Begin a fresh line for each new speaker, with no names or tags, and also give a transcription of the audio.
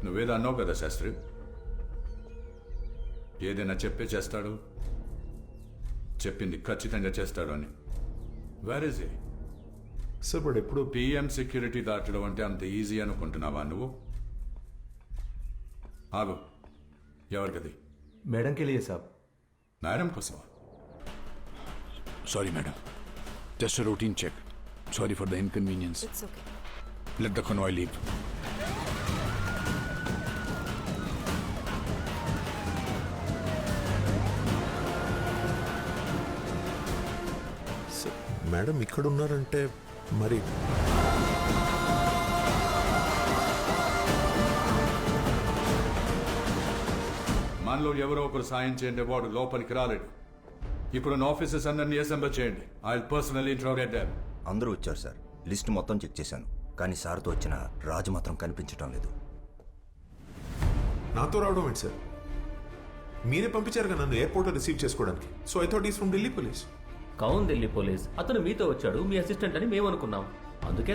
నువ్వేదో అన్నావు కదా శాస్త్రి, ఏదైనా చెప్పే చేస్తాడు, చెప్పింది ఖచ్చితంగా చేస్తాడు అని. Where is a?
సార్ వాడు ఎప్పుడు
పిఎం సెక్యూరిటీ దాటడం అంటే అంత ఈజీ అనుకుంటున్నావా నువ్వు? ఆగు, ఎవరికది?
मैडम के लिए साहब.
మేడం కోసమా?
Sorry, madam. Just a routine check. Sorry for the inconvenience.
It's okay.
Let the convoy leave.
Sir, madam ఇక్కడ ఉన్నారంటే మరి
మనలో ఎవరో ఒకరు సాయం చేయండి, వాడు లోపలికి రాలేడు. ఇప్పుడు నా ఆఫీసర్స్ అందరినీ అసెంబ్ల్ చేయండి. I will personally interrogate them.
అందరూ వచ్చారు సార్. లిస్ట్ మొత్తం చెక్ చేశాను, కానీ సార్తో వచ్చిన రాజు మాత్రం కనిపించడం లేదు.
నాతో రావడం ఏంటి సార్? మీరే పంపించారుగా నన్ను ఎయిర్పోర్ట్లో రిసీవ్ చేసుకోవడానికి. So I thought is from Delhi police.
కౌన్ ఢిల్లీ పోలీస్. అతను మీతో వచ్చాడు, మీ అసిస్టెంట్ అని మేము అనుకున్నాం. అందుకే